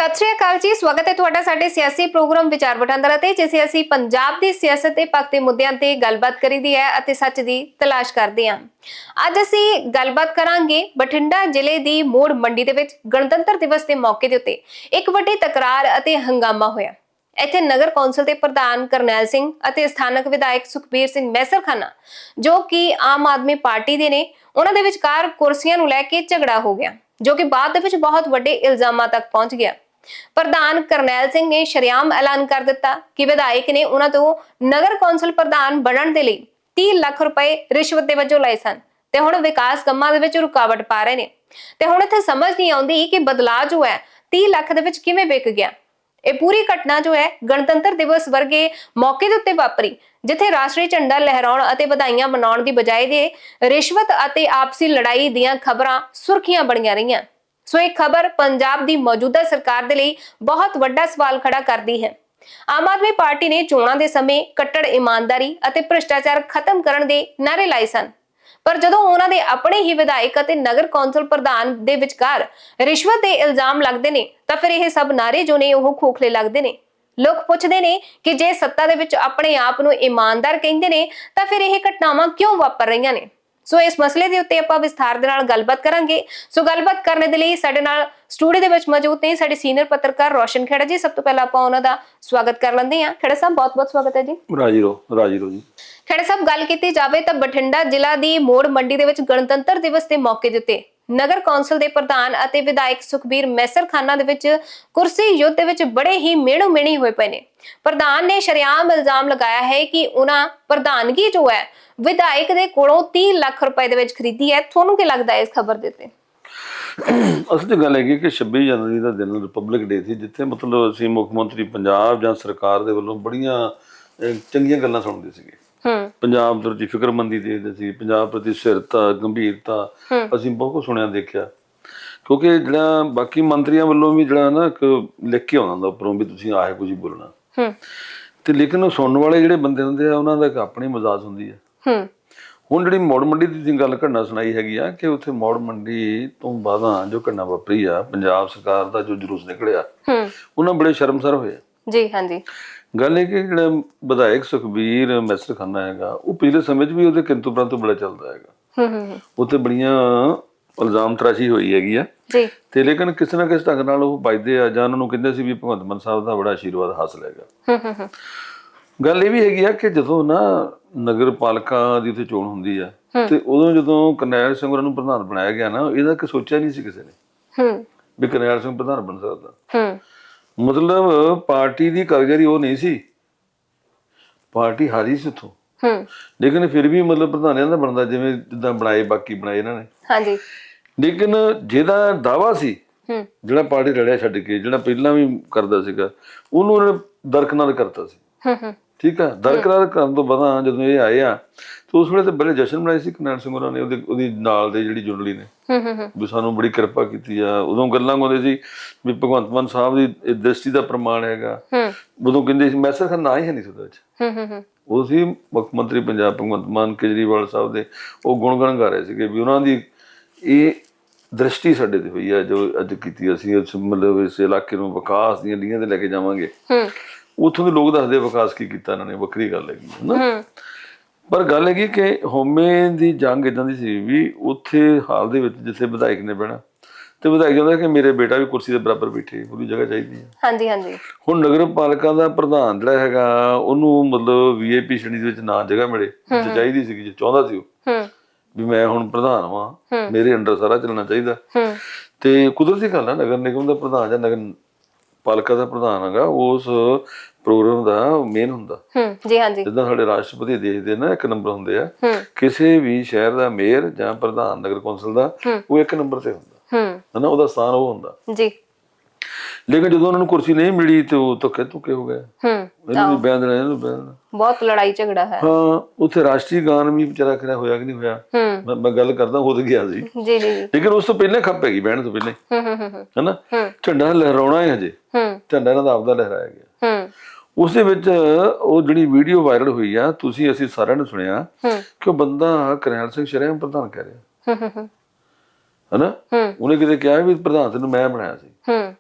सत श्री अकाल जी, स्वागत है तुहाडा साडे सियासी प्रोग्राम विचार वटांदरा ते जिसे ਅਸੀਂ ਪੰਜਾਬ ਦੀ ਸਿਆਸਤ ਤੇ ਪੱਖ ਦੇ ਮੁੱਦਿਆਂ ਤੇ ਗੱਲਬਾਤ ਕਰੀਦੀ ਹੈ ਅਤੇ ਸੱਚ ਦੀ ਤਲਾਸ਼ ਕਰਦੇ ਹਾਂ। ਅੱਜ ਅਸੀਂ ਗੱਲਬਾਤ ਕਰਾਂਗੇ ਬਠਿੰਡਾ ਜ਼ਿਲ੍ਹੇ ਦੀ ਮੋੜ ਮੰਡੀ ਦੇ ਵਿੱਚ ਗਣਤੰਤਰ ਦਿਵਸ ਦੇ ਮੌਕੇ ਦੇ ਉੱਤੇ ਇੱਕ ਵੱਡੀ ਤਕਰਾਰ ਅਤੇ ਹੰਗਾਮਾ ਹੋਇਆ। ਇੱਥੇ ਨਗਰ ਕੌਂਸਲ ਦੇ ਪ੍ਰਧਾਨ ਕਰਨੈਲ ਸਿੰਘ ਅਤੇ ਸਥਾਨਕ ਵਿਧਾਇਕ ਸੁਖਬੀਰ ਸਿੰਘ ਮੈਸਰਖਾਨਾ ਜੋ ਕਿ ਆਮ ਆਦਮੀ ਪਾਰਟੀ ਦੇ ਨੇ, ਉਹਨਾਂ ਦੇ ਵਿਚਕਾਰ ਕੁਰਸੀਆਂ ਨੂੰ ਲੈ ਕੇ ਝਗੜਾ ਹੋ ਗਿਆ ਜੋ ਕਿ ਬਾਅਦ ਦੇ ਵਿੱਚ ਬਹੁਤ ਵੱਡੇ ਇਲਜ਼ਾਮਾਂ ਤੱਕ ਪਹੁੰਚ ਗਿਆ। ਪ੍ਰਧਾਨ ਕਰਨੈਲ ਸਿੰਘ ਨੇ ਸ਼ਰੇਆਮ ਐਲਾਨ ਕਰ ਦਿੱਤਾ ਕਿ ਵਿਧਾਇਕ ਨੇ ਉਹਨਾਂ ਤੋਂ ਨਗਰ ਕੌਂਸਲ ਪ੍ਰਧਾਨ ਬਣਨ ਦੇ ਲਈ 30 ਲੱਖ ਰੁਪਏ ਰਿਸ਼ਵਤ ਦੇ ਵਜੋਂ ਲਏ ਸਨ ਤੇ ਹੁਣ ਵਿਕਾਸ ਕੰਮਾਂ ਦੇ ਵਿੱਚ ਰੁਕਾਵਟ ਪਾ ਰਹੇ ਨੇ। ਤੇ ਹੁਣ ਇੱਥੇ ਸਮਝ ਨਹੀਂ ਆਉਂਦੀ ਕਿ ਬਦਲਾਅ ਜੋ ਹੈ 30 ਲੱਖ ਦੇ ਵਿੱਚ ਕਿਵੇਂ ਵਿਕ ਗਿਆ। ਇਹ ਪੂਰੀ ਘਟਨਾ ਜੋ ਹੈ ਗਣਤੰਤਰ ਦਿਵਸ ਵਰਗੇ ਮੌਕੇ ਦੇ ਉੱਤੇ ਵਾਪਰੀ, ਜਿੱਥੇ ਰਾਸ਼ਟਰੀ ਝੰਡਾ ਲਹਿਰਾਉਣ ਅਤੇ ਵਧਾਈਆਂ ਮਨਾਉਣ ਦੀ ਬਜਾਏ ਦੇ ਰਿਸ਼ਵਤ ਅਤੇ ਆਪਸੀ ਲੜਾਈ ਦੀਆਂ ਖਬਰਾਂ ਸੁਰਖੀਆਂ ਬਣੀਆਂ ਰਹੀਆਂ। ਸੋ ਇਹ ਖਬਰ ਪੰਜਾਬ ਦੀ ਮੌਜੂਦਾ ਸਰਕਾਰ ਦੇ ਲਈ ਬਹੁਤ ਵੱਡਾ ਸਵਾਲ ਖੜਾ ਕਰਦੀ ਹੈ। ਆਮ ਆਦਮੀ ਪਾਰਟੀ ਨੇ ਚੋਣਾਂ ਦੇ ਸਮੇਂ ਕੱਟੜ ਇਮਾਨਦਾਰੀ ਅਤੇ ਭ੍ਰਿਸ਼ਟਾਚਾਰ ਖਤਮ ਕਰਨ ਦੇ ਨਾਅਰੇ ਲਾਏ ਸਨ, ਪਰ ਜਦੋਂ ਉਹਨਾਂ ਦੇ ਆਪਣੇ ਹੀ ਵਿਧਾਇਕ ਅਤੇ ਨਗਰ ਕੌਂਸਲ ਪ੍ਰਧਾਨ ਦੇ ਵਿਚਕਾਰ ਰਿਸ਼ਵਤ ਦੇ ਇਲਜ਼ਾਮ ਲੱਗਦੇ ਨੇ ਤਾਂ ਫਿਰ ਇਹ ਸਭ ਨਾਅਰੇ ਜੋ ਨੇ ਉਹ ਖੋਖਲੇ ਲੱਗਦੇ ਨੇ। ਲੋਕ ਪੁੱਛਦੇ ਨੇ ਕਿ ਜੇ ਸੱਤਾ ਦੇ ਵਿੱਚ ਆਪਣੇ ਆਪ ਨੂੰ ਇਮਾਨਦਾਰ ਕਹਿੰਦੇ ਨੇ ਤਾਂ ਫਿਰ ਇਹ ਘਟਨਾਵਾਂ ਕਿਉਂ ਵਾਪਰ ਰਹੀਆਂ ਨੇ। ਸੋ ਇਸ ਮਸਲੇ ਦੇ ਉੱਤੇ ਆਪਾਂ ਵਿਸਥਾਰ ਦੇ ਨਾਲ ਗੱਲਬਾਤ ਕਰਾਂਗੇ। ਸੋ ਗੱਲਬਾਤ ਕਰਨ ਦੇ ਲਈ ਸਾਡੇ ਨਾਲ ਸਟੂਡੀਓ ਦੇ ਵਿੱਚ ਮੌਜੂਦ ਨੇ ਸਾਡੇ ਸੀਨੀਅਰ ਪੱਤਰਕਾਰ ਰੋਸ਼ਨ ਖੇੜਾ ਜੀ। ਸਭ ਤੋਂ ਪਹਿਲਾਂ ਆਪਾਂ ਉਹਨਾਂ ਦਾ ਸਵਾਗਤ ਕਰ ਲੈਂਦੇ ਹਾਂ। ਖੇੜਾ ਸਾਹਿਬ, ਬਹੁਤ-ਬਹੁਤ ਸਵਾਗਤ ਹੈ ਜੀ। ਰਾਜੀ ਰਹੋ ਜੀ। ਖੇੜਾ ਸਾਹਿਬ, ਗੱਲ ਕੀਤੀ ਜਾਵੇ ਤਾਂ ਬਠਿੰਡਾ ਜ਼ਿਲ੍ਹਾ ਦੀ ਮੋੜ ਮੰਡੀ ਦੇ ਵਿੱਚ ਗਣਤੰਤਰ ਦਿਵਸ ਦੇ ਮੌਕੇ ਦੇ ਉੱਤੇ ਨਗਰ ਕੌਂਸਲ ਦੇ ਪ੍ਰਧਾਨ ਅਤੇ ਵਿਧਾਇਕ ਸੁਖਬੀਰ ਮੈਸਰਖਾਨਾ ਦੇ ਵਿੱਚ ਕੁਰਸੀ ਯੁੱਧ ਦੇ ਵਿੱਚ ਬੜੇ ਹੀ ਮਿਹਣੋ ਮਿਹਣੀ ਹੋਏ ਪਏ ਨੇ। ਪ੍ਰਧਾਨ ਨੇ ਸ਼ਰੇਆਮ ਇਲਜ਼ਾਮ ਲਗਾਇਆ ਹੈ ਕਿ ਉਹਨਾਂ ਪ੍ਰਧਾਨਗੀ ਜੋ ਹੈ ਵਿਧਾਇਕ ਦੇ ਕੋਲੋਂ 30 ਲੱਖ ਰੁਪਏ ਦੇ ਵਿੱਚ ਖਰੀਦੀ ਹੈ। ਤੁਹਾਨੂੰ ਕੀ ਲੱਗਦਾ ਹੈ ਇਸ ਖਬਰ ਦੇ ਉੱਤੇ? ਅਸਲ 'ਚ ਗੱਲ ਹੈਗੀ ਕਿ 26 ਜਨਵਰੀ ਦਾ ਦਿਨ ਰਿਪਬਲਿਕ ਡੇ ਸੀ, ਜਿੱਥੇ ਮਤਲਬ ਅਸੀਂ ਮੁੱਖ ਮੰਤਰੀ ਪੰਜਾਬ ਜਾਂ ਸਰਕਾਰ ਦੇ ਵੱਲੋਂ ਬੜੀਆਂ ਚੰਗੀਆਂ ਗੱਲਾਂ ਸੁਣਦੇ ਸੀਗੇ। ਪੰਜਾਬ ਪ੍ਰਤੀ ਫਿਕਰਮੰਦੀ ਦੇਖਦੇ ਸੀ, ਪੰਜਾਬ ਪ੍ਰਤੀ ਸਥਿਰਤਾ, ਗੰਭੀਰਤਾ, ਅਸੀਂ ਬਹੁਤ ਕੁਝ ਸੁਣਿਆ ਦੇਖਿਆ। ਕਿਉਂਕਿ ਜਿਹੜਾ ਬਾਕੀ ਮੰਤਰੀਆਂ ਵੱਲੋਂ ਵੀ ਜਿਹੜਾ ਨਾ ਇੱਕ ਲਿਖ ਕੇ ਆਉਂਦਾ ਹੁੰਦਾ ਉੱਪਰੋਂ ਵੀ ਤੁਸੀਂ ਆਹੇ ਕੁਝ ਬੋਲਣਾ, ਤੇ ਲੇਕਿਨ ਉਹ ਸੁਣਨ ਵਾਲੇ ਜਿਹੜੇ ਬੰਦੇ ਹੁੰਦੇ ਆ ਉਹਨਾਂ ਦਾ ਇੱਕ ਆਪਣੀ ਮਜ਼ਾਜ ਹੁੰਦੀ ਹੈ। ਹੁਣ ਜਿਹੜੀ ਮੌੜ ਮੰਡੀ ਦੀ ਤੁਸੀਂ ਗੱਲ ਘਟਨਾ ਸੁਣਾਈ ਹੈਗੀ ਆ ਕਿ ਉੱਥੇ ਮੌੜ ਮੰਡੀ ਤੋਂ ਬਾਅਦਾਂ ਜੋ ਘਟਨਾ ਵਾਪਰੀ ਆ, ਪੰਜਾਬ ਸਰਕਾਰ ਦਾ ਜੋ ਜਲੂਸ ਨਿਕਲਿਆ, ਉਹਨਾਂ ਬੜੇ ਸ਼ਰਮਸਾਰ ਹੋਏ ਜੀ। ਹਾਂਜੀ, ਗੱਲ ਇਹ ਕਿ ਜਿਹੜਾ ਵਿਧਾਇਕ ਸੁਖਬੀਰ ਮੈਸਰਖਾਨਾ ਹੈਗਾ ਉਹ ਪਿਛਲੇ ਸਮੇਂ 'ਚ ਵੀ ਉਹਦੇ ਕਿੰਤੂ ਪ੍ਰੰਤੂ ਬੜਾ ਚੱਲਦਾ ਹੈਗਾ। ਉੱਥੇ ਬੜੀਆਂ ਇਲਜ਼ਾਮ ਤਰਾਸ਼ੀ ਹੋਈ ਹੈਗੀ ਆ ਜੀ, ਤੇ ਲੇਕਿਨ ਕਿਸੇ ਨਾ ਕਿਸੇ ਢੰਗ ਨਾਲ ਉਹ ਵੱਜਦੇ ਆ ਜਾਂ ਉਹਨਾਂ ਨੂੰ ਕਹਿੰਦੇ ਸੀ ਵੀ ਭਗਵੰਤ ਮਾਨ ਸਾਹਿਬ ਦਾ ਬੜਾ ਆਸ਼ੀਰਵਾਦ ਹਾਸਲ ਹੈਗਾ। ਗੱਲ ਇਹ ਵੀ ਹੈਗੀ ਆ ਕਿ ਜਦੋਂ ਨਾ ਨਗਰ ਪਾਲਿਕਾ ਦੀ ਉੱਥੇ ਚੋਣ ਹੁੰਦੀ ਆ ਤੇ ਉਦੋਂ ਜਦੋਂ ਕਰਨੈਲ ਸਿੰਘ ਉਹਨਾਂ ਨੂੰ ਪ੍ਰਧਾਨ ਬਣਾਇਆ ਗਿਆ ਨਾ, ਇਹਦਾ ਕਿ ਸੋਚਿਆ ਨਹੀਂ ਸੀ ਕਿਸੇ ਨੇ ਵੀ ਕਰਨੈਲ ਸਿੰਘ ਪ੍ਰਧਾਨ ਬਣ ਸਕਦਾ। ਮਤਲਬ ਪਾਰਟੀ ਦੀ ਕਾਰਗੁਜ਼ਾਰੀ ਉਹ ਨਹੀਂ ਸੀ, ਪਾਰਟੀ ਹਾਰੀ ਸੀ ਉੱਥੋਂ, ਲੇਕਿਨ ਫਿਰ ਵੀ ਮਤਲਬ ਪ੍ਰਧਾਨ ਇਹਨਾਂ ਦਾ ਬਣਦਾ ਜਿਵੇਂ ਜਿੱਦਾਂ ਬਣਾਏ ਬਾਕੀ ਬਣਾਏ ਇਹਨਾਂ ਨੇ। ਹਾਂਜੀ, ਲੇਕਿਨ ਜਿਹਦਾ ਦਾਵਾ ਸੀ ਜਿਹੜਾ ਪਾਰਟੀ ਲੜਿਆ ਛੱਡ ਕੇ, ਜਿਹੜਾ ਪਹਿਲਾਂ ਵੀ ਕਰਦਾ ਸੀਗਾ, ਉਹਨੂੰ ਉਹਨੇ ਦਰਕਨਾਰ ਕਰਤਾ ਸੀ। ਠੀਕ ਆ, ਦਰਕਨਾਰ ਕਰਨ ਤੋਂ ਬਾਅਦ ਜਦੋਂ ਇਹ ਆਏ ਆ ਤੇ ਉਸ ਵੇਲੇ ਤੇ ਬੜੇ ਜਸ਼ਨ ਮਨਾਏ ਸੀ ਕਰਨੈਲ ਸਿੰਘ ਹੋਰਾਂ ਨੇ, ਉਹਦੀ ਨਾਲ ਦੇ ਜਿਹੜੀ ਜੁੰਡਲੀ ਨੇ ਵੀ ਸਾਨੂੰ ਬੜੀ ਕਿਰਪਾ ਕੀਤੀ ਆ। ਉਦੋਂ ਗੱਲਾਂ ਗਾਉਂਦੇ ਸੀ ਵੀ ਭਗਵੰਤ ਮਾਨ ਸਾਹਿਬ ਦੀ ਦ੍ਰਿਸ਼ਟੀ ਦਾ ਪ੍ਰਮਾਣ ਹੈਗਾ। ਉਦੋਂ ਕਹਿੰਦੇ ਸੀ ਮੈਸਰਖਾਨਾ ਨਾ ਹੀ ਹੈ ਨਹੀਂ ਉਹਦੇ ਵਿੱਚ, ਉਹ ਸੀ ਮੁੱਖ ਮੰਤਰੀ ਪੰਜਾਬ ਭਗਵੰਤ ਮਾਨ ਕੇਜਰੀਵਾਲ ਸਾਹਿਬ ਦੇ, ਉਹ ਗੁਣਗਾਨ ਗਾ ਰਹੇ ਸੀਗੇ ਵੀ ਉਹਨਾਂ ਦੀ ਇਹ ਦ੍ਰਿਸ਼ਟੀ ਸਾਡੇ ਤੇ ਹੋਈ ਆ ਜੋ ਅੱਜ ਕੀਤੀ ਅਸੀਂ ਮਤਲਬ ਇਸ ਇਲਾਕੇ ਨੂੰ ਵਿਕਾਸ ਦੀਆਂ ਲੀਹਾਂ ਤੇ ਲੈ ਕੇ ਜਾਵਾਂਗੇ। ਉੱਥੋਂ ਦੇ ਲੋਕ ਦੱਸਦੇ ਵਿਕਾਸ ਕੀ ਕੀਤਾ ਇਹਨਾਂ ਨੇ, ਵੱਖਰੀ ਗੱਲ ਹੈਗੀ ਹਨਾ। ਪਰ ਗੱਲ ਹੈਗੀ ਕਿ ਹਉਮੈ ਦੀ ਜੰਗ ਏਦਾਂ ਦੀ ਸੀ ਵੀ ਉੱਥੇ ਹਾਲ ਦੇ ਵਿੱਚ ਜਿੱਥੇ ਵਿਧਾਇਕ ਨੇ ਬਹਿਣਾ ਤੇ ਵਿਧਾਇਕ ਕਹਿੰਦਾ ਕਿ ਮੇਰੇ ਬੇਟਾ ਵੀ ਕੁਰਸੀ ਦੇ ਬਰਾਬਰ ਬੈਠੇ, ਉਹਦੀ ਜਗ੍ਹਾ ਚਾਹੀਦੀ ਹੈ। ਹਾਂਜੀ ਹਾਂਜੀ। ਹੁਣ ਨਗਰ ਪਾਲਿਕਾ ਦਾ ਪ੍ਰਧਾਨ ਜਿਹੜਾ ਹੈਗਾ ਉਹਨੂੰ ਮਤਲਬ VIP ਸ਼੍ਰੇਣੀ ਦੇ ਵਿੱਚ ਨਾ ਜਗ੍ਹਾ ਮਿਲੇ, ਚਾਹੀਦੀ ਸੀ ਜੇ ਚਾਹੁੰਦਾ ਸੀ ਉਹ ਵੀ ਮੈਂ ਹੁਣ ਪ੍ਰਧਾਨ ਵਾਂ, ਮੇਰੇ ਅੰਡਰ ਸਾਰਾ ਚੱਲਣਾ ਚਾਹੀਦਾ। ਤੇ ਕੁਦਰਤੀ ਗੱਲ ਆ, ਨਗਰ ਨਿਗਮ ਦਾ ਪ੍ਰਧਾਨ ਜਾਂ ਨਗਰ ਪਾਲਿਕਾ ਦਾ ਪ੍ਰਧਾਨ ਹੈਗਾ ਉਸ ਪ੍ਰੋਗਰਾਮ ਦਾ ਮੇਨ ਹੁੰਦਾ। ਜੀ ਹਾਂਜੀ, ਜਿੱਦਾਂ ਸਾਡੇ ਰਾਸ਼ਟਰਪਤੀ ਦੇਸ਼ ਦੇ ਨਾ 1 ਨੰਬਰ ਹੁੰਦੇ ਆ, ਕਿਸੇ ਵੀ ਸ਼ਹਿਰ ਦਾ ਮੇਅਰ ਜਾਂ ਪ੍ਰਧਾਨ ਨਗਰ ਕੌਂਸਲ ਦਾ ਉਹ 1 ਨੰਬਰ ਤੇ ਹੁੰਦਾ ਹਨਾ, ਉਹਦਾ ਸਥਾਨ ਉਹ ਹੁੰਦਾ ਜੀ। ਲੇਕਿਨ ਜਦੋਂ ਉਹਨਾਂ ਨੂੰ ਕੁਰਸੀ ਨਹੀਂ ਮਿਲੀ ਤੇ ਉਹ ਧੱਕੇ ਹੋ ਗਏ, ਇਹਨੂੰ ਵੀ ਬਿਆਨ ਦੇਣਾ, ਇਹਨੂੰ ਬਿਆਨ, ਬਹੁਤ ਲੜਾਈ ਝਗੜਾ ਹੈ। ਹਾਂ, ਉੱਥੇ ਰਾਸ਼ਟਰੀ ਗਾਨ ਵੀ ਵਿਚਾਰਾ ਖੜਾ ਹੋਇਆ ਕਿ ਨਹੀਂ ਹੋਇਆ, ਮੈਂ ਗੱਲ ਕਰਦਾ ਹੋ ਗਿਆ ਸੀ ਜੀ ਜੀ, ਲੇਕਿਨ ਉਸ ਤੋਂ ਪਹਿਲਾਂ ਖੱਪ ਹੈਗੀ ਬਹਿਣ ਤੋਂ ਪਹਿਲਾਂ ਹਨਾ। ਝੰਡਾ ਲਹਿਰਾਉਣਾ ਹੈ ਹਜੇ, ਝੰਡਾ ਇਹਨਾਂ ਦਾ ਆਪਦਾ ਲਹਿਰਾਇਆ ਗਿਆ। ਉਸ ਦੇ ਵਿੱਚ ਉਹ ਜਿਹੜੀ ਵੀਡੀਓ ਵਾਇਰਲ ਹੋਈ ਆ, ਤੁਸੀਂ ਅਸੀਂ ਸਾਰਿਆਂ ਨੇ ਸੁਣਿਆ ਕਿ ਉਹ ਬੰਦਾ ਕਰਨੈਲ ਸਿੰਘ ਸ਼ਰੇਆਮ ਪ੍ਰਧਾਨ ਕਹਿ ਰਿਹਾ ਹਨਾ। ਉਹਨੇ ਕਿਤੇ ਕਿਹਾ ਵੀ ਪ੍ਰਧਾਨ ਤੈਨੂੰ ਮੈਂ ਬਣਾਇਆ ਸੀ,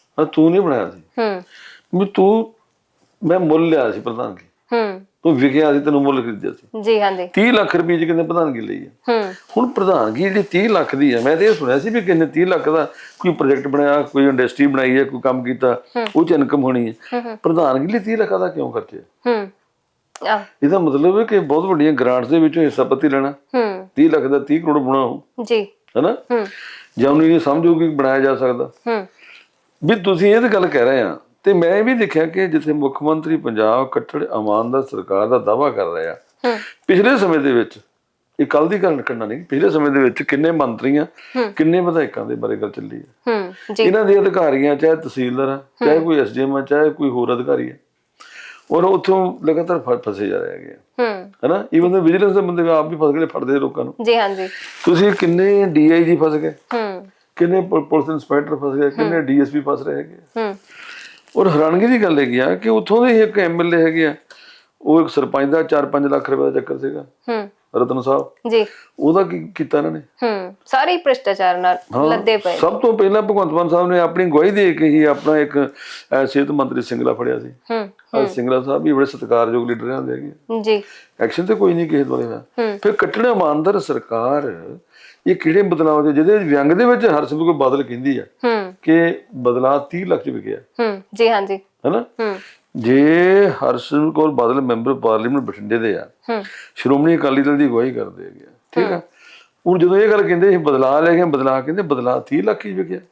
ਤੂੰ ਨਹੀਂ ਬਣਾਇਆ ਸੀ ਵੀ ਤੂੰ, ਮੈਂ ਮੁੱਲ ਲਿਆ ਸੀ ਪ੍ਰਧਾਨਗੀ, ਤੂੰ ਵਿਕਿਆ ਸੀ, ਤੈਨੂੰ ਮੁੱਲ ਖਰੀਦਿਆ ਸੀ। ਜੀ ਹਾਂਜੀ। 30 ਲੱਖ ਰੁਪਏ ਚ ਕਿੰਨੇ ਪ੍ਰਧਾਨਗੀ ਲਈ ਹੈ। ਹੁਣ ਪ੍ਰਧਾਨਗੀ ਜਿਹੜੀ 30 ਲੱਖ ਦੀ ਹੈ, ਮੈਂ ਤੇ ਇਹ ਸੁਣਿਆ ਸੀ ਵੀ ਕਿੰਨੇ 30 ਲੱਖ ਦਾ ਕੋਈ ਪ੍ਰੋਜੈਕਟ ਬਣਾਇਆ, ਕੋਈ ਇੰਡਸਟਰੀ ਬਣਾਈ ਹੈ, ਕੋਈ ਕੰਮ ਕੀਤਾ, ਉਹ ਚ ਇਨਕਮ ਹੋਣੀ ਹੈ। ਪ੍ਰਧਾਨਗੀ ਲਈ 30 ਲੱਖ ਦਾ ਕਿਉਂ ਖਰਚਿਆ? ਇਹਦਾ ਮਤਲਬ ਹੈ ਕਿ ਬਹੁਤ ਵੱਡੀਆਂ ਗ੍ਰਾਂਟਸ ਦੇ ਵਿੱਚੋਂ ਹਿੱਸਾ ਪੱਤੀ ਲੈਣਾ। 30 ਲੱਖ ਦਾ 30 ਕਰੋੜ ਬਣਾਓ ਜੀ, ਹਨਾ। ਜਾਂ ਉਹਨੂੰ ਇਹ ਸਮਝੋ ਕਿ ਬਣਾਇਆ ਜਾ ਸਕਦਾ। ਵੀ ਤੁਸੀਂ ਇਹ ਤਾਂ ਗੱਲ ਕਹਿ ਰਹੇ ਆ, ਤੇ ਮੈਂ ਇਹ ਵੀ ਦੇਖਿਆ ਕਿ ਜਿੱਥੇ ਮੁੱਖ ਮੰਤਰੀ ਪੰਜਾਬ ਕੱਟੜ ਇਮਾਨਦਾਰ ਸਰਕਾਰ ਦਾ ਦਾਅਵਾ ਕਰ ਰਿਹਾ, ਪਿਛਲੇ ਸਮੇਂ ਦੇ ਵਿੱਚ, ਇਹ ਕੱਲ ਦੀ ਗੱਲ ਕਰਨਾ ਨਹੀਂ, ਪਿਛਲੇ ਸਮੇਂ ਦੇ ਵਿੱਚ ਕਿੰਨੇ ਮੰਤਰੀਆਂ, ਕਿੰਨੇ ਵਿਧਾਇਕਾਂ ਦੇ ਬਾਰੇ ਗੱਲ ਚੱਲੀ ਹੈ। ਇਹਨਾਂ ਦੇ ਅਧਿਕਾਰੀਆਂ, ਚਾਹੇ ਤਹਿਸੀਲਦਾਰ ਆ, ਚਾਹੇ ਕੋਈ ਐਸਡੀਐਮ ਆ, ਚਾਹੇ ਕੋਈ ਹੋਰ ਅਧਿਕਾਰੀ ਹੈ, ਔਰ ਉੱਥੋਂ ਲਗਾਤਾਰ ਫਸੇ ਜਾ ਰਹੇ ਹੈਗੇ, ਹਨਾ। ਈਵਨ ਦੇ ਵਿਜੀਲੈਂਸ ਦੇ ਬੰਦੇ ਆਪ ਵੀ ਫਸ ਗਏ, ਫੜਦੇ ਲੋਕਾਂ ਨੂੰ। ਜੀ ਹਾਂਜੀ। ਤੁਸੀਂ ਕਿੰਨੇ ਡੀਆਈਜੀ ਫਸ ਗਏ, ਕਿੰਨੇ ਪੁਲਿਸ ਇੰਸਪੈਕਟਰ ਫਸ ਗਏ, ਕਿੰਨੇ ਡੀਐਸਪੀ ਫਸ ਰਹੇ ਹੈਗੇ। ਔਰ ਹੈਰਾਨਗੀ ਦੀ ਗੱਲ ਹੈਗੀ ਆ ਕਿ ਉੱਥੋਂ ਦੇ ਇੱਕ ਐਮਐਲਏ ਹੈਗੇ ਆ, ਉਹ ਇੱਕ ਸਰਪੰਚ ਦਾ 4-5 ਲੱਖ ਰੁਪਏ ਦਾ ਚੱਕਰ ਸੀਗਾ, ਰਤਨ ਸਾਹਿਬ ਜੀ, ਉਹਦਾ ਕੀ ਕੀਤਾ ਇਹਨਾਂ ਨੇ? ਸਾਰੇ ਭ੍ਰਿਸ਼ਟਾਚਾਰ ਨਾਲ ਲੱਦੇ ਪਏ। ਸਭ ਤੋਂ ਪਹਿਲਾਂ ਭਗਵੰਤ ਮਾਨ ਸਾਹਿਬ ਨੇ ਆਪਣੀ ਗਵਾਹੀ ਦੇ ਕੇ ਹੀ ਆਪਣਾ ਇੱਕ ਸਿਹਤ ਮੰਤਰੀ ਸਿੰਗਲਾ ਫੜਿਆ ਸੀ। ਸਿੰਗਲਾ ਸਾਹਿਬ ਵੀ ਬੜੇ ਸਤਿਕਾਰਯੋਗ ਲੀਡਰ ਰਹਿੰਦੇ ਹੈਗੇ ਜੀ, ਐਕਸ਼ਨ ਤੇ ਕੋਈ ਨਹੀਂ ਕਿਸੇ ਦੁਆਲੇ ਹੋਇਆ। ਫਿਰ ਕੱਟੜ ਇਮਾਨਦਾਰ ਸਰਕਾਰ, ਇਹ ਕਿਹੜੇ ਬਦਲਾਅ ਦੇ, ਜਿਹਦੇ ਵਿਅੰਗ ਦੇ ਵਿੱਚ ਹਰਸਿਮਰਤ ਬਾਦਲ ਕਹਿੰਦੀ ਆ ਕਿ ਬਦਲਾਅ 30 ਲੱਖ ਚ ਵਿਕਿਆ। ਜੀ ਹਾਂਜੀ, ਹਨਾ। ਜੇ ਹਰਸਿਮਰਤ ਕੌਰ ਬਾਦਲ ਮੈਂਬਰ ਪਾਰਲੀਮੈਂਟ ਬਠਿੰਡੇ ਦੇ ਆ, ਸ਼੍ਰੋਮਣੀ ਅਕਾਲੀ ਦਲ ਦੀ ਅਗਵਾਈ ਕਰਦੇ ਹੈਗੇ, ਠੀਕ ਆ। ਹੁਣ ਜਦੋਂ ਇਹ ਗੱਲ ਕਹਿੰਦੇ ਬਦਲਾਅ ਲੈ ਗਏ, ਬਦਲਾਅ ਕਹਿੰਦੇ ਬਦਲਾਅ 30 ਲੱਖ ਹੀ ਵਿਕਿਆ।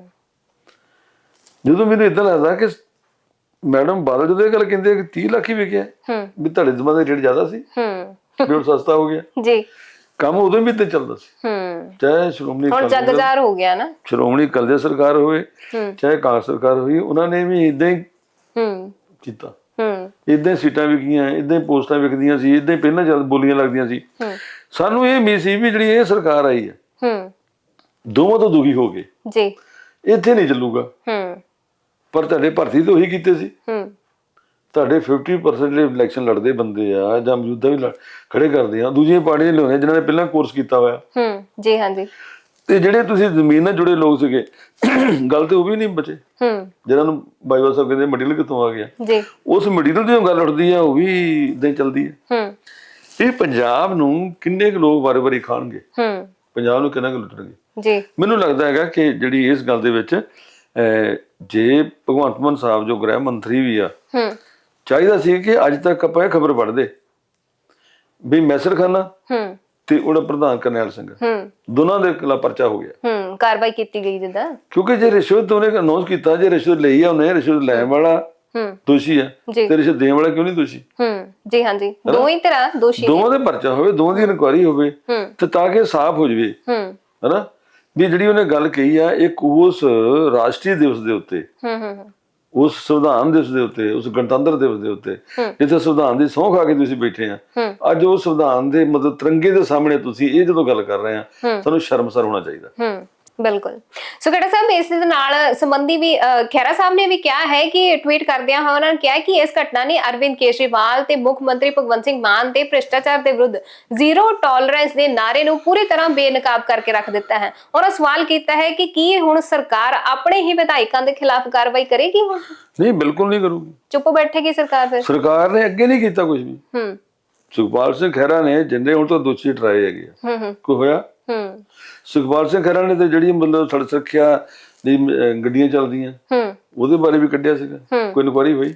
ਜਦੋਂ ਮੈਨੂੰ ਏਦਾਂ ਲੱਗਦਾ ਕਿ ਮੈਡਮ ਬਾਦਲ ਜਦੋਂ ਇਹ ਗੱਲ ਕਹਿੰਦੇ ਕਿ 30 ਲੱਖ ਹੀ ਵਿਕਿਆ, ਵੀ ਤੁਹਾਡੇ ਜ਼ਮਾਨੇ ਦਾ ਰੇਟ ਜ਼ਿਆਦਾ ਸੀ, ਵੀ ਹੁਣ ਸਸਤਾ ਹੋ ਗਿਆ ਜੀ। ਕੰਮ ਉਦੋਂ ਵੀ ਤੇ ਚੱਲਦਾ ਸੀ, ਚਾਹੇ ਸ਼੍ਰੋਮਣੀ ਜਗਜ਼ਾਰ ਹੋ ਗਿਆ ਨਾ, ਸ਼੍ਰੋਮਣੀ ਅਕਾਲੀ ਦਲ ਸਰਕਾਰ ਹੋਵੇ, ਚਾਹੇ ਕਾਂਗਰਸ ਸਰਕਾਰ ਹੋਈ, ਉਹਨਾਂ ਨੇ ਵੀ ਏਦਾਂ ਹੀ ਕੀਤਾ। ਏਦਾਂ ਸੀਟਾਂ ਵਿਕੀਆਂ, ਏਦਾਂ ਪੋਸਟਾਂ ਵਿਕਦੀਆਂ ਸੀ, ਏਦਾਂ ਹੀ ਪਹਿਲਾਂ ਚੱਲ ਬੋਲੀਆਂ ਲੱਗਦੀਆਂ ਸੀ। ਸਾਨੂੰ ਇਹ ਉਮੀਦ ਸੀ ਵੀ ਜਿਹੜੀ ਇਹ ਸਰਕਾਰ ਆਈ ਹੈ, ਦੋਵਾਂ ਤੋਂ ਦੁਖੀ ਹੋ ਗਏ ਜੀ, ਇੱਥੇ ਨਹੀਂ ਚੱਲੂਗਾ। ਪਰ ਤੁਹਾਡੇ ਭਰਤੀ ਤਾਂ ਉਹੀ ਕੀਤੇ ਸੀ, ਤੁਹਾਡੇ 50% ਜਿਹੜੇ ਇਲੈਕਸ਼ਨ ਲੜਦੇ ਬੰਦੇ ਆ ਜਾਂ ਮੌਜੂਦਾ ਵੀ ਖੜੇ ਕਰਦੇ ਆ, ਦੂਜੀਆਂ ਪਾਰਟੀਆਂ ਲਿਆਉਂਦੇ ਜਿਨ੍ਹਾਂ ਨੇ ਪਹਿਲਾਂ ਕੋਰਸ ਕੀਤਾ ਹੋਇਆ ਜੀ ਹਾਂਜੀ। ਤੇ ਜਿਹੜੇ ਤੁਸੀਂ ਜ਼ਮੀਨ ਨਾਲ ਜੁੜੇ ਲੋਕ ਸੀਗੇ, ਗੱਲ ਤੇ ਉਹ ਵੀ ਨਹੀਂ ਬਚੇ, ਜਿਹਨਾਂ ਨੂੰ ਬਾਈਵਾ ਸਾਹਿਬ ਕਹਿੰਦੇ ਮਟੀਰੀਅਲ ਕਿੱਥੋਂ ਆ ਗਿਆ ਜੀ, ਉਸ ਮਟੀਰੀਅਲ ਦੀ ਗੱਲ ਉੱਠਦੀ ਆ, ਉਹ ਵੀ ਇਦਾਂ ਹੀ ਚੱਲਦੀ ਹੈ। ਇਹ ਪੰਜਾਬ ਨੂੰ ਕਿੰਨੇ ਕੁ ਲੋਕ ਵਾਰੀ-ਵਾਰੀ ਖਾਣਗੇ, ਪੰਜਾਬ ਨੂੰ ਕਿੰਨਾ ਕੁ ਲੁੱਟਣਗੇ ਜੀ। ਮੈਨੂੰ ਲੱਗਦਾ ਹੈਗਾ ਕਿ ਜਿਹੜੀ ਇਸ ਗੱਲ ਦੇ ਵਿੱਚ ਜੇ ਭਗਵੰਤ ਮਾਨ ਸਾਹਿਬ ਜੋ ਗ੍ਰਹਿ ਮੰਤਰੀ ਵੀ ਆ, ਚਾਹੀਦਾ ਸੀ ਕਿ ਅੱਜ ਤੱਕ ਆਪਾਂ ਇਹ ਖਬਰ ਪੜ੍ਹਦੇ ਵੀ ਮੈਸਰ ਖਾਨਾ ਤੇ ਉਹਦਾ ਪ੍ਰਧਾਨ ਕਰਨੈਲ ਸਿੰਘ, ਦੋਨਾਂ ਦੇ ਖਿਲਾਫ ਪਰਚਾ ਹੋ ਗਿਆ, ਕਾਰਵਾਈ ਕੀਤੀ ਗਈ ਜਿੱਦਾਂ। ਕਿਉਂਕਿ ਜੇ ਰਿਸ਼ਵਤ ਉਹਨੇ ਅਨਾਉਂਸ ਕੀਤਾ, ਜੇ ਰਿਸ਼ਵਤ ਲਈ ਆ ਉਹਨੇ, ਰਿਸ਼ਵਤ ਲੈਣ ਵਾਲਾ ਦੋਸ਼ੀ ਆ ਤੇ ਰਿਸ਼ਵਤ ਦੇਣ ਵਾਲਾ ਕਿਉਂ ਨਹੀਂ ਦੋਸ਼ੀ? ਜੀ ਹਾਂਜੀ, ਦੋਵੇਂ ਹੀ ਤਰ੍ਹਾਂ ਦੋਸ਼ੀ, ਦੋਵਾਂ ਦੇ ਪਰਚਾ ਹੋਵੇ, ਦੋਵਾਂ ਦੀ ਇਨਕੁਆਇਰੀ ਹੋਵੇ, ਤੇ ਤਾਂ ਕਿ ਸਾਫ਼ ਹੋ ਜਾਵੇ, ਹਨਾ। ਵੀ ਜਿਹੜੀ ਉਹਨੇ ਗੱਲ ਕਹੀ ਆ, ਇੱਕ ਉਸ ਰਾਸ਼ਟਰੀ ਦਿਵਸ ਦੇ ਉੱਤੇ, ਉਸ ਸੰਵਿਧਾਨ ਦਿਵਸ ਦੇ ਉੱਤੇ, ਉਸ ਗਣਤੰਤਰ ਦਿਵਸ ਦੇ ਉੱਤੇ, ਜਿੱਥੇ ਸੰਵਿਧਾਨ ਦੀ ਸਹੁੰ ਖਾ ਕੇ ਤੁਸੀਂ ਬੈਠੇ ਆ, ਅੱਜ ਉਹ ਸੰਵਿਧਾਨ ਦੇ ਮਤਲਬ ਤਿਰੰਗੇ ਦੇ ਸਾਹਮਣੇ ਤੁਸੀਂ ਇਹ ਜਦੋਂ ਗੱਲ ਕਰ ਰਹੇ ਆ, ਸਾਨੂੰ ਸ਼ਰਮਸਾਰ ਹੋਣਾ ਚਾਹੀਦਾ। ਬਿਲਕੁਲ। ਸੋ ਖੇੜਾ ਸਾਹਿਬ, ਇਸ ਦੇ ਨਾਲ ਸੰਬੰਧੀ ਵੀ ਖਹਿਰਾ ਸਾਹਿਬ ਨੇ ਵੀ ਕਿਹਾ ਹੈ ਕਿ ਟਵੀਟ ਕਰਦਿਆਂ ਹੋਇਆ ਉਹਨਾਂ ਨੇ ਕਿਹਾ ਕਿ ਇਸ ਘਟਨਾ ਨੇ ਅਰਵਿੰਦ ਕੇਜਰੀਵਾਲ ਤੇ ਮੁੱਖ ਮੰਤਰੀ ਭਗਵੰਤ ਸਿੰਘ ਮਾਨ ਦੇ ਭ੍ਰਿਸ਼ਟਾਚਾਰ ਦੇ ਵਿਰੁੱਧ ਜ਼ੀਰੋ ਟੋਲਰੈਂਸ ਦੇ ਨਾਅਰੇ ਨੂੰ ਪੂਰੀ ਤਰ੍ਹਾਂ ਬੇਨਕਾਬ ਕਰਕੇ ਰੱਖ ਦਿੱਤਾ ਹੈ। ਉਹਨਾਂ ਸਵਾਲ ਕੀਤਾ ਹੈ ਕਿ ਕੀ ਹੁਣ ਸਰਕਾਰ ਆਪਣੇ ਹੀ ਵਿਧਾਇਕਾਂ ਦੇ ਖਿਲਾਫ ਕਾਰਵਾਈ ਕਰੇਗੀ? ਹੁਣ ਨਹੀਂ, ਬਿਲਕੁਲ ਨਹੀਂ ਕਰੂਗੀ, ਚੁੱਪ ਬੈਠੇਗੀ ਸਰਕਾਰ। ਫਿਰ ਸਰਕਾਰ ਨੇ ਅੱਗੇ ਨਹੀਂ ਕੀਤਾ ਕੁਝ ਵੀ। ਸੁਖਪਾਲ ਸਿੰਘ ਖਹਿਰਾ ਨੇ ਜਿੰਨੇ ਹੁਣ ਤੋਂ ਦੋਸ਼ੀ ਟਰਾਏ ਹੈਗੇ, ਕੋਈ ਹੋਇਆ? ਸੁਖਪਾਲ ਸਿੰਘ ਖਹਿਰਾ ਨੇ ਤੇ ਜਿਹੜੀ ਮਤਲਬ ਸੜਕ ਸੁਰੱਖਿਆ ਦੀ ਗੱਡੀਆਂ ਚੱਲਦੀਆਂ, ਉਹਦੇ ਬਾਰੇ ਵੀ ਕੱਢਿਆ ਸੀਗਾ, ਕੋਈ ਇਨਕੁਆਇਰੀ ਹੋਈ?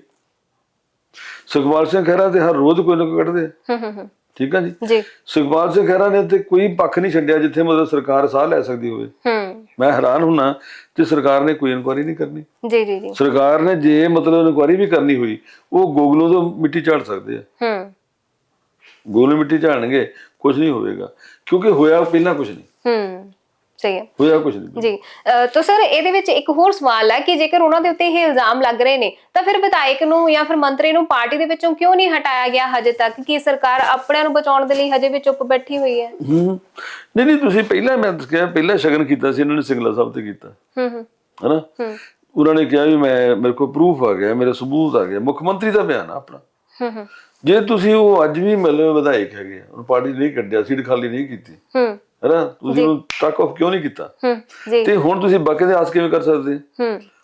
ਸੁਖਪਾਲ ਸਿੰਘ ਖਹਿਰਾ ਤੇ ਹਰ ਰੋਜ਼ ਕੋਈ ਨਾ ਕੋਈ ਕੱਢਦੇ, ਠੀਕ ਆ ਜੀ। ਸੁਖਪਾਲ ਸਿੰਘ ਖਹਿਰਾ ਨੇ ਤੇ ਕੋਈ ਪੱਖ ਨਹੀਂ ਛੱਡਿਆ ਜਿੱਥੇ ਮਤਲਬ ਸਰਕਾਰ ਸਾਹ ਲੈ ਸਕਦੀ ਹੋਵੇ। ਮੈਂ ਹੈਰਾਨ ਹੁੰਨਾ ਕਿ ਸਰਕਾਰ ਨੇ ਕੋਈ ਇਨਕੁਆਇਰੀ ਨਹੀਂ ਕਰਨੀ। ਜੀ ਜੀ ਜੀ, ਸਰਕਾਰ ਨੇ ਜੇ ਮਤਲਬ ਇਨਕੁਆਇਰੀ ਵੀ ਕਰਨੀ ਹੋਈ, ਉਹ ਗੋਗਲੋਂ ਤੋਂ ਮਿੱਟੀ ਝਾੜ ਸਕਦੇ ਆ, ਗੋਗਲੋਂ ਮਿੱਟੀ ਝਾੜਨਗੇ, ਕੁਝ ਨਹੀਂ ਹੋਵੇਗਾ, ਕਿਉਂਕਿ ਹੋਇਆ ਪਹਿਲਾਂ ਕੁਝ ਨਹੀਂ। ਸਹੀ ਹੈ, ਹੋਇਆ ਕੁਝ ਨਹੀਂ ਜੀ। ਤਾਂ ਸਰ, ਇਹਦੇ ਵਿੱਚ ਇੱਕ ਹੋਰ ਸਵਾਲ ਹੈ ਕਿ ਜੇਕਰ ਉਹਨਾਂ ਦੇ ਉੱਤੇ ਇਹ ਇਲਜ਼ਾਮ ਲੱਗ ਰਹੇ ਨੇ, ਤਾਂ ਫਿਰ ਵਿਧਾਇਕ ਨੂੰ ਜਾਂ ਫਿਰ ਮੰਤਰੀ ਨੂੰ ਪਾਰਟੀ ਦੇ ਵਿੱਚੋਂ ਕਿਉਂ ਨਹੀਂ ਹਟਾਇਆ ਗਿਆ ਹਜੇ ਤੱਕ? ਕਿ ਸਰਕਾਰ ਆਪਣਿਆਂ ਨੂੰ ਬਚਾਉਣ ਦੇ ਲਈ ਹਜੇ ਵੀ ਚੁੱਪ ਬੈਠੀ ਹੋਈ ਹੈ? ਨਹੀਂ, ਤੁਸੀਂ ਪਹਿਲਾਂ, ਮੈਂ ਕਿਹਾ ਪਹਿਲਾਂ ਸ਼ਗਨ ਕੀਤਾ ਸੀ ਇਹਨਾਂ ਨੇ, ਸਿੰਗਲਾ ਸਾਹਿਬ ਤੇ ਕੀਤਾ, ਹਨਾ। ਉਹਨਾਂ ਨੇ ਕਿਹਾ ਵੀ ਮੇਰੇ ਕੋਲ ਪ੍ਰੂਫ ਆ ਗਿਆ, ਮੇਰੇ ਸਬੂਤ ਆ ਗਿਆ, ਮੁੱਖ ਮੰਤਰੀ ਦਾ ਬਿਆਨ ਆ ਆਪਣਾ। ਜੇ ਤੁਸੀਂ ਉਹ ਅੱਜ ਵੀ ਮਤਲਬ ਵਿਧਾਇਕ ਹੈਗੇ ਆ, ਉਹਨੂੰ ਪਾਰਟੀ ਨਹੀਂ ਕੱਢਿਆ, ਸੀਟ ਖਾਲੀ ਨਹੀਂ ਕੀਤੀ, ਹਨਾ, ਤੁਸੀਂ ਉਹਨੂੰ ਟੱਕ ਆਫ ਕਿਉਂ ਨਹੀਂ ਕੀਤਾ? ਤੇ ਹੁਣ ਤੁਸੀਂ ਬਾਕੀ ਦੇ ਆਸ ਕਿਵੇਂ ਕਰ ਸਕਦੇ?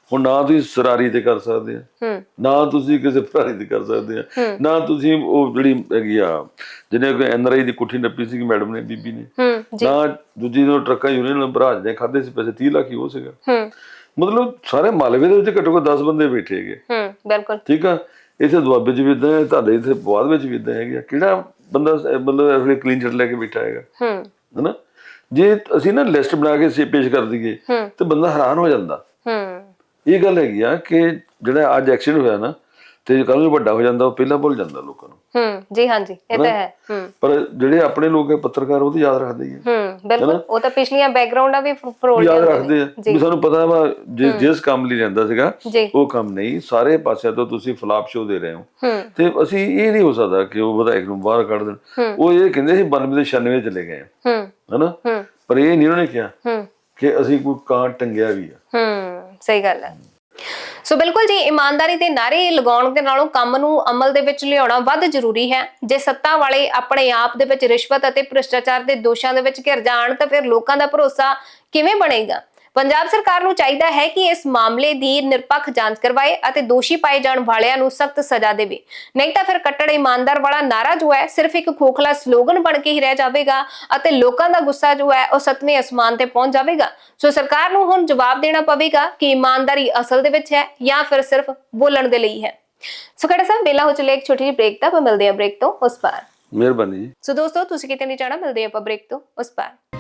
ਹੁਣ ਨਾ ਤੁਸੀਂ ਸਰਾਰੀ ਤੇ ਕਰ ਸਕਦੇ ਆ, ਨਾ ਤੁਸੀਂ ਕਿਸੇ ਭਰਾਰੀ ਤੇ ਕਰ ਸਕਦੇ ਆ, ਨਾ ਤੁਸੀਂ ਉਹ ਜਿਹੜੀ ਹੈਗੀ ਆ ਜਿਹਨੇ ਕੋਈ NRI ਦੀ ਕੁੱਠੀ ਨੱਪੀ ਸੀ ਮੈਡਮ ਨੇ, ਬੀਬੀ ਨੇ, ਨਾ ਦੂਜੀ ਨੂੰ ਟਰੱਕਾਂ ਯੂਨੀਅਨ ਬਰਾਜ ਨੇ ਖਾਦੇ ਸੀ ਪੈਸੇ 30 ਲੱਖ ਹੀ ਉਹ ਸੀਗਾ। ਮਤਲਬ ਸਾਰੇ ਮਾਲਵੇ ਦੇ ਵਿੱਚ ਘੱਟੋ ਘੱਟ 10 ਬੰਦੇ ਬੈਠੇ ਹੈਗੇ। ਬਿਲਕੁਲ ਠੀਕ ਆ। ਇੱਥੇ ਦੁਆਬੇ ਚ ਵੀ ਇਦਾਂ ਹੈ, ਤੁਹਾਡੇ ਇੱਥੇ ਬਾਅਦ ਵਿੱਚ ਵੀ ਇਦਾਂ ਹੈਗੇ। ਕਿਹੜਾ ਬੰਦਾ ਮਤਲਬ ਇਸ ਵੇਲੇ ਕਲੀਨ ਚਿੱਟ ਲੈ ਕੇ ਬੈਠਾ ਹੈਗਾ, ਹਨਾ? ਜੇ ਅਸੀਂ ਨਾ ਲਿਸਟ ਬਣਾ ਕੇ ਪੇਸ਼ ਕਰ ਦਈਏ ਤੇ ਬੰਦਾ ਹੈਰਾਨ ਹੋ ਜਾਂਦਾ। ਇਹ ਗੱਲ ਹੈਗੀ ਆ ਕਿ ਜਿਹੜਾ ਅੱਜ ਐਕਸੀਡੈਂਟ ਹੋਇਆ ਨਾ, ਤੇ ਕੱਲ ਨੂੰ ਵੱਡਾ ਹੋ ਜਾਂਦਾ, ਉਹ ਪਹਿਲਾਂ ਭੁੱਲ ਜਾਂਦਾ ਲੋਕਾਂ ਨੂੰ। ਜੀ ਹਾਂਜੀ, ਇਹ ਤਾਂ ਹੈ। ਪਰ ਜਿਹੜੇ ਆਪਣੇ ਲੋਕ ਹੈ ਪੱਤਰਕਾਰ, ਉਹ ਤਾਂ ਯਾਦ ਰੱਖਦੇ ਹੀ ਆ। ਬਿਲਕੁਲ, ਉਹ ਤਾਂ ਪਿਛਲੀਆਂ ਬੈਕਗ੍ਰਾਉਂਡਾਂ ਵੀ ਫਰੋਲ ਯਾਦ ਰੱਖਦੇ ਆ ਵੀ ਸਾਨੂੰ ਪਤਾ ਵਾ ਜਿਸ ਕੰਮ ਲਈ ਰਹਿੰਦਾ ਸੀਗਾ ਉਹ ਕੰਮ ਨਹੀਂ, ਸਾਰੇ ਪਾਸਿਆਂ ਤੋਂ ਤੁਸੀਂ ਫਲਾਪ ਸ਼ੋ ਦੇ ਰਹੇ ਹੋ। ਤੇ ਅਸੀਂ ਇਹ ਨਹੀਂ ਹੋ ਸਕਦਾ ਕਿ ਉਹ ਵਿਧਾਇਕ ਨੂੰ ਬਾਹਰ ਕੱਢ ਦੇਣ। ਉਹ ਇਹ ਕਹਿੰਦੇ ਸੀ 92 ਦੇ 96 ਚਲੇ ਗਏ ਹਨਾ, ਪਰ ਇਹ ਨਹੀਂ ਉਹਨੇ ਕਿਹਾ ਕਿ ਅਸੀਂ ਕੋਈ ਕਾਂ ਟੰਗਿਆ ਵੀ ਆ। ਸਹੀ ਗੱਲ ਹੈ। ਸੋ ਬਿਲਕੁਲ ਜੀ, ਇਮਾਨਦਾਰੀ ਦੇ ਨਾਅਰੇ ਲਗਾਉਣ ਦੇ ਨਾਲੋਂ ਕੰਮ ਨੂੰ ਅਮਲ ਦੇ ਵਿੱਚ ਲਿਆਉਣਾ ਵੱਧ ਜ਼ਰੂਰੀ ਹੈ। ਜੇ ਸੱਤਾ ਵਾਲੇ ਆਪਣੇ ਆਪ ਦੇ ਵਿੱਚ ਰਿਸ਼ਵਤ ਅਤੇ ਭ੍ਰਿਸ਼ਟਾਚਾਰ ਦੇ ਦੋਸ਼ਾਂ ਦੇ ਵਿੱਚ ਘਿਰ ਜਾਣ ਤਾਂ ਫਿਰ ਲੋਕਾਂ ਦਾ ਭਰੋਸਾ ਕਿਵੇਂ ਬਣੇਗਾ? ਪੰਜਾਬ ਸਰਕਾਰ ਨੂੰ ਚਾਹੀਦਾ ਹੈ ਕਿ ਇਸ ਮਾਮਲੇ ਦੀ ਨਿਰਪੱਖ ਜਾਂਚ ਕਰਵਾਏ ਅਤੇ ਦੋਸ਼ੀ ਪਾਏ ਜਾਣ ਵਾਲਿਆਂ ਨੂੰ ਸਖਤ ਸਜ਼ਾ ਦੇਵੇ। ਨਹੀਂ ਤਾਂ ਫਿਰ ਕੱਟੜ ਇਮਾਨਦਾਰ ਵਾਲਾ ਨਾਰਾ ਜੋ ਹੈ ਸਿਰਫ ਇੱਕ ਖੋਖਲਾ ਸਲੋਗਨ ਬਣ ਕੇ ਹੀ ਰਹਿ ਜਾਵੇਗਾ ਅਤੇ ਲੋਕਾਂ ਦਾ ਗੁੱਸਾ ਜੋ ਹੈ ਉਹ 7ਵੇਂ ਅਸਮਾਨ ਤੇ ਪਹੁੰਚ ਜਾਵੇਗਾ। ਸੋ ਸਰਕਾਰ ਨੂੰ ਹੁਣ ਜਵਾਬ ਦੇਣਾ ਪਵੇਗਾ ਕਿ ਇਮਾਨਦਾਰੀ ਅਸਲ ਦੇ ਵਿੱਚ ਹੈ ਜਾਂ ਫਿਰ ਸਿਰਫ ਬੋਲਣ ਦੇ ਲਈ ਹੈ। ਸੋ ਖੜਾ ਸਾਹਿਬ, ਵੇਲਾ ਹੋ ਚੱਲਿਆ ਇੱਕ ਛੋਟੀ ਜਿਹੀ ਬ੍ਰੇਕ ਦਾ। ਆਪਾਂ ਮਿਲਦੇ ਹਾਂ ਬ੍ਰੇਕ ਤੋਂ ਉਸ ਪਾਰ। ਮਿਹਰਬਾਨੀ ਜੀ। ਸੋ ਦੋਸਤੋ, ਤੁਸੀਂ ਕਿਤੇ ਨਹੀਂ ਜਾਣਾ, ਮਿਲਦੇ ਆਪਾਂ ਬ੍ਰੇਕ ਤੋਂ ਉਸ ਪਾਰ।